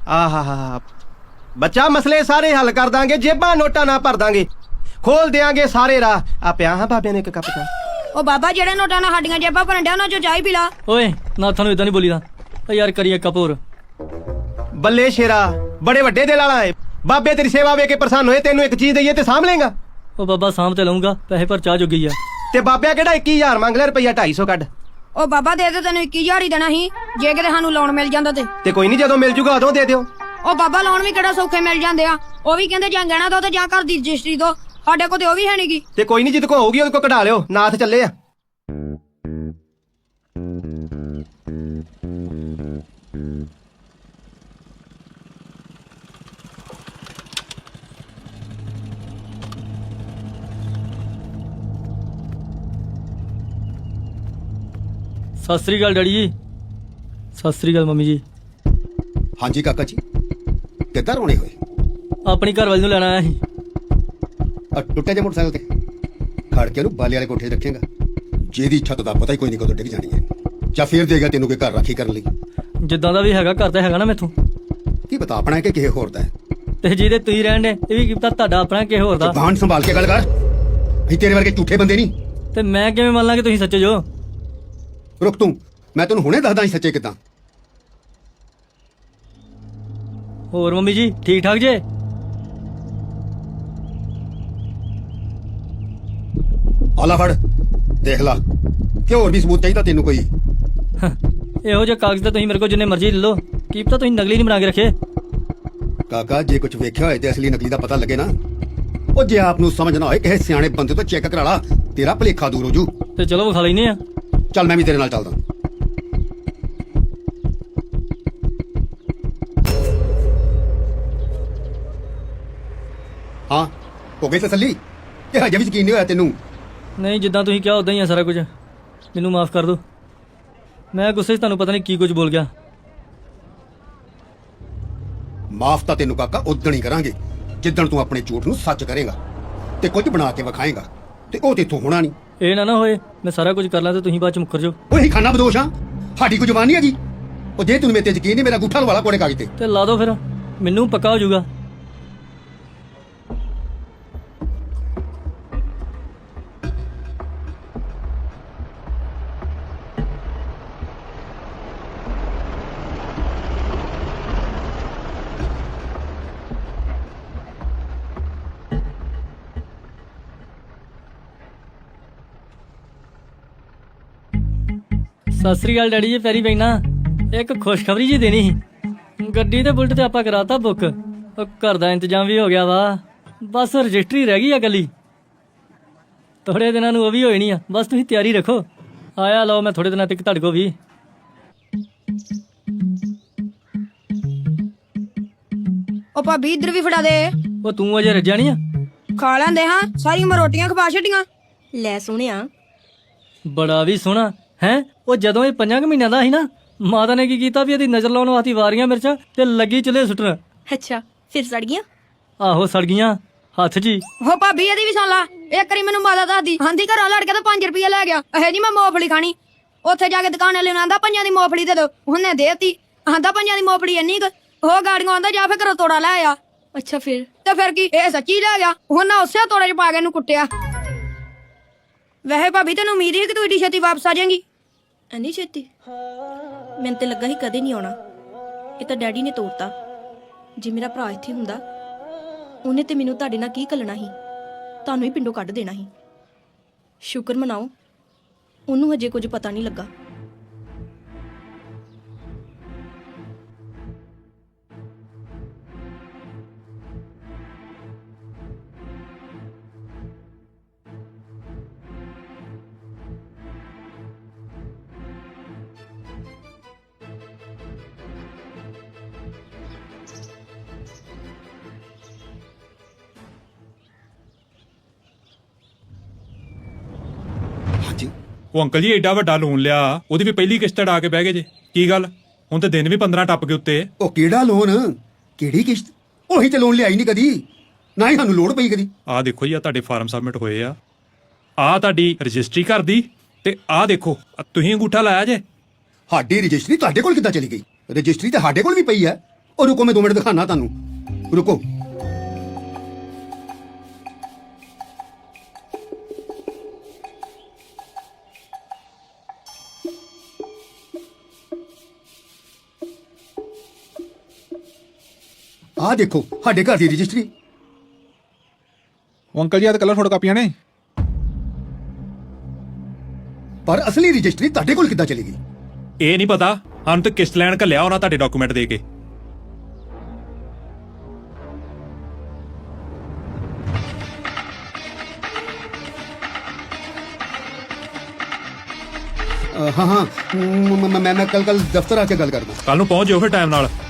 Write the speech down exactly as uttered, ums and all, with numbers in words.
ਆਹਾ ਹਾ ਬੱਚਾ ਮਸਲੇ ਸਾਰੇ ਹੱਲ ਕਰ ਦਾਂਗੇ, ਜੇਬਾਂ ਨੋਟਾਂ ਨਾ ਭਰ ਦਾਂਗੇ, ਖੋਲ ਦਿਆਂਗੇ ਸਾਰੇ ਰਾਹ। ਆ ਪਿਆ ਹਾਂ ਬਾਬਿਆਂ ਨੇ ਇੱਕ ਕੱਪ ਚਾਹ। ਉਹ ਬਾਬਾ ਜਿਹੜੇ ਨੋਟਾਂ ਨਾਲ ਸਾਡੀਆਂ ਜੇਬਾਂ ਭਰਨ ਡਿਆ ਉਹਨਾਂ ਚੋਂ ਚਾਹ ਹੀ ਪੀ ਲਾ। ਓਏ ਨਾ ਤੁਹਾਨੂੰ ਇਦਾਂ ਨਹੀਂ ਬੋਲੀਦਾ ਓ ਯਾਰ, ਕਰੀਏ ਕਪੂਰ। ਬੱਲੇ ਸ਼ੇਰਾ, ਬੜੇ ਵੱਡੇ ਦਿਲ ਵਾਲਾ ਏ। ਬਾਬੇ ਤੇਰੀ ਸੇਵਾ ਵੇਖ ਕੇ ਪ੍ਰਸੰਨ ਹੋਏ, ਤੈਨੂੰ ਇੱਕ ਚੀਜ਼ ਦਈਏ ਤੇ ਸਾਂਭ ਲੇਗਾ? ਉਹ ਬਾਬਾ ਸਾਂਭ ਤੇ ਲਊਂਗਾ, ਪੈਸੇ ਪਰ ਚਾਹ ਜੋਗੀ ਆ। ਤੇ ਬਾਬਿਆ ਕਿਹੜਾ ਇੱਕੀ ਹਜ਼ਾਰ ਮੰਗ ਲਿਆ, ਰੁਪਈਆ ਢਾਈ ਸੌ ਕੱਢ। ਉਹ ਬਾਬਾ ਦੇ ਦੇ, ਤੈਨੂੰ ਇੱਕੀ ਹਜ਼ਾਰ ਹੀ ਦੇਣਾ ਸੀ ਜੇ ਕਿਤੇ ਸਾਨੂੰ ਲੋਨ ਮਿਲ ਜਾਂਦਾ ਤੇ। ਤੇ ਕੋਈ ਨਹੀਂ, ਜਦੋਂ ਮਿਲ ਜੂਗਾ ਉਦੋਂ ਦੇ ਦਿਓ। ਉਹ ਬਾਬਾ ਲੋਨ ਵੀ ਕਿਹੜਾ ਸੌਖੇ ਮਿਲ ਜਾਂਦੇ ਆ, ਉਹ ਵੀ ਕਹਿੰਦੇ ਜਾਂ ਗਹਿਣਾ ਦੋ ਤੇ ਜਾਂ ਘਰ ਦੀ ਰਜਿਸਟਰੀ ਦੋ। ਸਾਡੇ ਕੋਲ ਤੇ ਉਹ ਵੀ ਹੈ ਨੀਗੀ। ਤੇ ਕੋਈ ਨਹੀਂ, ਜਿੱਦ ਕੋ ਹੋਊਗੀ ਉਹਦੇ ਕੋ ਕਢਾ ਲਿਓ, ਨਾਥ ਚੱਲੇ ਆ। ਸਤਿ ਸ੍ਰੀ ਅਕਾਲ ਡੈਡੀ ਜੀ। ਸਤਿ ਸ੍ਰੀ ਅਕਾਲ ਮੰਮੀ ਜੀ। ਹਾਂਜੀ ਕਾਕਾ ਜੀ, ਕਿੱਦਾਂ ਰੋਣੇ ਹੋਏ? ਆਪਣੀ ਘਰ ਵਾਲੀ ਨੂੰ ਲੈਣ ਆਇਆ ਸੀ। ਆ ਟੁੱਟੇ ਜੇ ਮੋਟਰਸਾਈਕਲ ਤੇ ਖੜ ਕੇ ਉਹਨੂੰ ਬਾਲੇ ਵਾਲੇ ਕੋਠੇ 'ਤੇ ਰੱਖੇਗਾ, ਜਿਹਦੀ ਛੱਤ ਦਾ ਪਤਾ ਹੀ ਕੋਈ ਨਹੀਂ ਕਦੋਂ ਡਿੱਗ ਜਾਣੀ ਹੈ। ਜਾਂ ਫੇਰ ਦੇਗਾ ਤੈਨੂੰ ਕੋਈ ਘਰ ਰਾਖੀ ਕਰਨ ਲਈ। ਜਿੱਦਾਂ ਦਾ ਵੀ ਹੈਗਾ ਘਰ ਤਾਂ ਹੈਗਾ ਨਾ ਮੈਥੋਂ। ਕੀ ਪਤਾ ਆਪਣਾ ਹੈ ਕਿ ਕਿਸੇ ਹੋਰ ਦਾ ਹੈ। ਤੇ ਜਿਹਦੇ ਤੁਸੀਂ ਰਹਿਣ ਦੇ ਇਹ ਵੀ ਕੀ ਪਤਾ ਤੁਹਾਡਾ ਆਪਣਾ ਕਿਸੇ ਹੋਰ ਦਾ। ਜ਼ੁਬਾਨ ਸੰਭਾਲ ਕੇ ਗੱਲ ਕਰ, ਅਸੀਂ ਤੇਰੇ ਵਰਗੇ ਝੂਠੇ ਬੰਦੇ ਨਹੀਂ। ਤੇ ਮੈਂ ਕਿਵੇਂ ਮੰਨ ਲਾਂ ਕਿ ਤੁਸੀਂ ਸੱਚੇ ਜੋ? ਰੁਕ ਤੂੰ, ਮੈਂ ਤੈਨੂੰ ਹੁਣੇ ਦੱਸਦਾ ਸੀ ਸੱਚੇ ਕਿੱਦਾਂ। ਹੋਰ ਮੰਮੀ ਜੀ ਠੀਕ ਠਾਕ ਜੇ? ਆਲਾ ਫੜ ਦੇਖ ਲਾ, ਕਿ ਹੋਰ ਵੀ ਸਬੂਤ ਚਾਹੀਦਾ ਤੈਨੂੰ ਕੋਈ? ਇਹੋ ਜਿਹੇ ਕਾਗਜ਼ ਤਾਂ ਤੁਸੀਂ ਮੇਰੇ ਕੋਲ ਜਿੰਨੇ ਮਰਜ਼ੀ ਲੈ ਲਓ, ਕੀ ਪਤਾ ਤੁਸੀਂ ਨਕਲੀ ਨਹੀਂ ਬਣਾ ਕੇ ਰੱਖੇ। ਕਾਕਾ ਜੇ ਕੁਝ ਵੇਖਿਆ ਹੋਏ ਤੇ ਅਸਲੀ ਨਕਲੀ ਦਾ ਪਤਾ ਲੱਗੇ ਨਾ। ਉਹ ਜੇ ਆਪ ਨੂੰ ਸਮਝ ਨਾ ਹੋਏ ਕਿਸੇ ਸਿਆਣੇ ਬੰਦੇ ਤੋਂ ਚੈੱਕ ਕਰਾ ਲਾ, ਤੇਰਾ ਭਲੇਖਾ ਦੂਰ ਹੋ ਜੂ। ਤੇ ਚਲੋ ਵਿਖਾ ਲੈਨੇ ਆ। ਚੱਲ ਮੈਂ ਵੀ ਤੇਰੇ ਨਾਲ ਚੱਲਦਾ। ਹਾਂ ਹੋ ਗਈ ਤਸੱਲੀ ਕਿ ਹਜੇ ਵੀ ਯਕੀਨ ਨਹੀਂ ਹੋਇਆ ਤੈਨੂੰ? ਨਹੀਂ ਜਿੱਦਾਂ ਤੁਸੀਂ ਕਿਹਾ ਉਦਾਂ ਹੀ ਆ ਸਾਰਾ ਕੁਝ। ਮੈਨੂੰ ਮਾਫ ਕਰ ਦਿਓ, ਮੈਂ ਗੁੱਸੇ 'ਚ ਤੁਹਾਨੂੰ ਪਤਾ ਨਹੀਂ ਕੀ ਕੁਝ ਬੋਲ ਗਿਆ। ਮਾਫ ਤਾਂ ਤੈਨੂੰ ਕਾਕਾ ਉਦਣ ਹੀ ਕਰਾਂਗੇ ਜਿੱਦਣ ਤੂੰ ਆਪਣੇ ਝੂਠ ਨੂੰ ਸੱਚ ਕਰੇਗਾ ਤੇ ਕੁਝ ਬਣਾ ਕੇ ਵਿਖਾਏਗਾ, ਤੇ ਉਹ ਤੇਥੋਂ ਹੋਣਾ ਨਹੀਂ। ਇਹ ਨਾ ਨਾ ਹੋਏ ਮੈਂ ਸਾਰਾ ਕੁਝ ਕਰ ਲਾਂ ਤੇ ਤੁਸੀਂ ਬਾਅਦ ਚ ਮੁੱਕਰ ਜਾਓ। ਉਹੀ ਖਾਨਾ ਬਦੋਸ਼ ਆ, ਸਾਡੀ ਕੋਈ ਜ਼ੁਬਾਨ ਨਹੀਂ ਹੈਗੀ। ਉਹ ਜੇ ਤੈਨੂੰ ਮੇਰੇ ਤੇ ਯਕੀਨ ਨਹੀਂ, ਮੇਰਾ ਅੰਗੂਠਾ ਲਵਾ ਲਾ ਕੋੜੇ ਕਾਗਜ਼ ਤੇ। ਤੇ ਲਾ ਦੋ ਫਿਰ, ਮੈਨੂੰ ਪੱਕਾ ਹੋ ਜਾਊਗਾ। ਸਤਿ ਸ੍ਰੀ ਅਕਾਲ ਡੈਡੀ ਜੀ, ਪੈਰੀ ਪੈਣਾ। ਇੱਕ ਖੁਸ਼ਖਬਰੀ ਜੀ ਦੇਣੀ ਸੀ। ਗੱਡੀ ਤੇ ਬੁਲਟ ਤੇ ਆਪਾਂ ਕਰਾਤਾ ਬੁੱਕ, ਉਹ ਘਰ ਦਾ ਇੰਤਜ਼ਾਮ ਵੀ ਹੋ ਗਿਆ ਵਾ, ਬਸ ਰਜਿਸਟਰੀ ਰਹਿ ਗਈ ਆ ਗੱਲੀ। ਥੋੜੇ ਦਿਨਾਂ ਨੂੰ ਉਹ ਵੀ ਹੋਈ ਨਹੀਂ ਆ, ਬਸ ਤੁਸੀਂ ਤਿਆਰੀ ਰੱਖੋ। ਆਇਆ ਲਓ ਮੈਂ ਥੋੜੇ ਦਿਨਾਂ ਤੱਕ ਤੁਹਾਡੇ ਕੋਲ ਵੀ। ਉਹ ਭਾਬੀ ਇੱਧਰ ਵੀ ਫੜਾ ਦੇ। ਉਹ ਤੂੰ ਅਜੇ ਰੱਜਿਆ ਨਹੀਂ ਆ? ਖਾ ਲੈਂਦੇ ਹਾਂ, ਸਾਰੀ ਉਮਰ ਰੋਟੀਆਂ ਖਵਾ ਛੱਡੀਆਂ। ਲੈ ਸੋਹਣਿਆ, ਬੜਾ ਵੀ ਸੋਹਣਾ ਹੈ। ਉਹ ਜਦੋਂ ਇਹ ਪੰਜਾਂ ਕੁ ਮਹੀਨਿਆਂ ਦਾ ਸੀ ਨਾ, ਮਾਤਾ ਨੇ ਕੀ ਕੀਤਾ ਵੀ ਇਹਦੀ ਨਜ਼ਰ ਲਾਉਣ ਵਾਸਤੇ ਵਾਰੀਆਂ ਮਿਰਚਾਂ ਤੇ ਲੱਗੀ ਚੁੱਲ੍ਹੇ ਸੁੱਟਣ। ਅੱਛਾ ਫਿਰ ਸੜ ਗਈਆਂ? ਆਹੋ ਸੜ ਗਈਆਂ ਹੱਥ 'ਚ ਹੀ। ਹੋ ਭਾਬੀ ਇਹਦੀ ਵੀ ਸੁਣ ਲਾ। ਇੱਕ ਵਾਰੀ ਮੈਨੂੰ ਮਾਤਾ ਦੱਸਦੀ ਆਂਦੀ ਘਰਾਂ ਲੜ ਕੇ ਤਾਂ ਪੰਜ ਰੁਪਏ ਲੈ ਗਿਆ। ਇਹ ਜੀ ਮੈਂ ਮੂੰਗਫਲੀ ਖਾਣੀ। ਉੱਥੇ ਜਾ ਕੇ ਦੁਕਾਨ ਵਾਲੇ ਨੂੰ ਆਂਦਾ ਪੰਜਾਂ ਦੀ ਮੂੰਗਫਲੀ ਦੇ ਦੋ, ਉਹਨੇ ਦੇਤੀ। ਆਂਦਾ ਪੰਜਾਂ ਦੀ ਮੂੰਗਫਲੀ ਇੰਨੀ ਕੁ, ਉਹ ਗਾੜੀਆਂ ਆਂਦਾ ਜਾ ਫਿਰ ਘਰੋਂ ਤੋੜਾ ਲੈ ਆ। ਅੱਛਾ ਫਿਰ? ਤੇ ਫਿਰ ਕੀ, ਇਹ ਸੱਚੀ ਲੈ ਗਿਆ। ਉਹਨਾਂ ਉਸੇ ਤੋੜੇ 'ਚ ਪਾ ਕੇ ਇਹਨੂੰ ਕੁੱਟਿਆ। ਵੈਸੇ ਭਾਬੀ ਤੈਨੂੰ ਉਮੀਦ ਸੀ ਕਿ ਤੂੰ ਏਡੀ ਛੇਤੀ ਵਾਪਸ ਆ ਜਾਏਂਗੀ? ਐਨੀ ਛੇਤੀ? ਮੈਨੂੰ ਤੇ ਲੱਗਾ ਸੀ ਕਦੇ ਨਹੀਂ ਆਉਣਾ। ਇਹ ਤਾਂ ਡੈਡੀ ਨੇ ਤੋੜਤਾ। ਜੇ ਮੇਰਾ ਭਰਾ ਇੱਥੇ ਹੁੰਦਾ, ਉਹਨੇ ਤੇ ਮੈਨੂੰ ਤੁਹਾਡੇ ਨਾਲ ਕੀ ਘੱਲਣਾ ਸੀ, ਤੁਹਾਨੂੰ ਹੀ ਪਿੰਡੋਂ ਕੱਢ ਦੇਣਾ ਸੀ। ਸ਼ੁਕਰ ਮਨਾਓ ਉਹਨੂੰ ਹਜੇ ਕੁਝ ਪਤਾ ਨਹੀਂ ਲੱਗਾ। ਹਾਂਜੀ ਉਹ ਅੰਕਲ ਜੀ ਏਡਾ ਵੱਡਾ ਲੋਨ ਲਿਆ, ਉਹਦੀ ਵੀ ਪਹਿਲੀ ਕਿਸ਼ਤ ਅੜਾ ਕੇ ਬਹਿ ਗਏ ਜੇ। ਕੀ ਗੱਲ, ਹੁਣ ਤੇ ਦਿਨ ਵੀ ਪੰਦਰਾਂ ਟੱਪ ਗਏ ਉੱਤੇ। ਉਹ ਕਿਹੜਾ ਲੋਨ, ਕਿਹੜੀ ਕਿਸ਼ਤ? ਉਹੀ ਤੇ ਲੋਨ ਲਿਆਈ ਨਹੀਂ ਕਦੀ, ਨਾ ਹੀ ਸਾਨੂੰ ਲੋੜ ਪਈ ਕਦੀ। ਆਹ ਦੇਖੋ ਜੀ, ਆ ਤੁਹਾਡੇ ਫਾਰਮ ਸਬਮਿਟ ਹੋਏ ਆ। ਆਹ ਤੁਹਾਡੀ ਰਜਿਸਟਰੀ ਘਰ ਦੀ, ਤੇ ਆਹ ਦੇਖੋ ਤੁਸੀਂ ਅੰਗੂਠਾ ਲਾਇਆ ਜੇ। ਸਾਡੀ ਰਜਿਸਟਰੀ ਤੁਹਾਡੇ ਕੋਲ ਕਿੱਦਾਂ ਚਲੀ ਗਈ? ਰਜਿਸਟਰੀ ਤਾਂ ਸਾਡੇ ਕੋਲ ਵੀ ਪਈ ਹੈ, ਉਹ ਰੁਕੋ, ਮੈਂ ਦੋ ਮਿੰਟ ਦਿਖਾਣਾ ਤੁਹਾਨੂੰ, ਰੁਕੋ। ਆਹ ਦੇਖੋ ਸਾਡੇ ਘਰ ਦੀ ਰਜਿਸਟਰੀ। ਉਹ ਅੰਕਲ ਜੀ ਆ ਤਾਂ ਕਲਰ ਫੋਟੋ ਕਾਪੀਆਂ ਨੇ। ਪਰ ਅਸਲੀ ਰਜਿਸਟਰੀ ਤੁਹਾਡੇ ਕੋਲ ਕਿੱਦਾਂ ਚਲੀ ਗਈ? ਇਹ ਨਹੀਂ ਪਤਾ, ਸਾਨੂੰ ਤਾਂ ਕਿਸ਼ਤ ਲੈਣ ਘੱਲਿਆ ਉਹਨਾਂ ਤੁਹਾਡੇ ਡਾਕੂਮੈਂਟ ਦੇ ਕੇ। ਅ, ਹਾਂ ਹਾਂ ਮ- ਮ- ਮੈਂ ਮੈਂ ਕੱਲ ਕੱਲ ਦਫ਼ਤਰ ਆ ਕੇ ਗੱਲ ਕਰਦਾ। ਕੱਲ ਨੂੰ ਪਹੁੰਚ ਜਾਓ ਫਿਰ ਟਾਈਮ ਨਾਲ।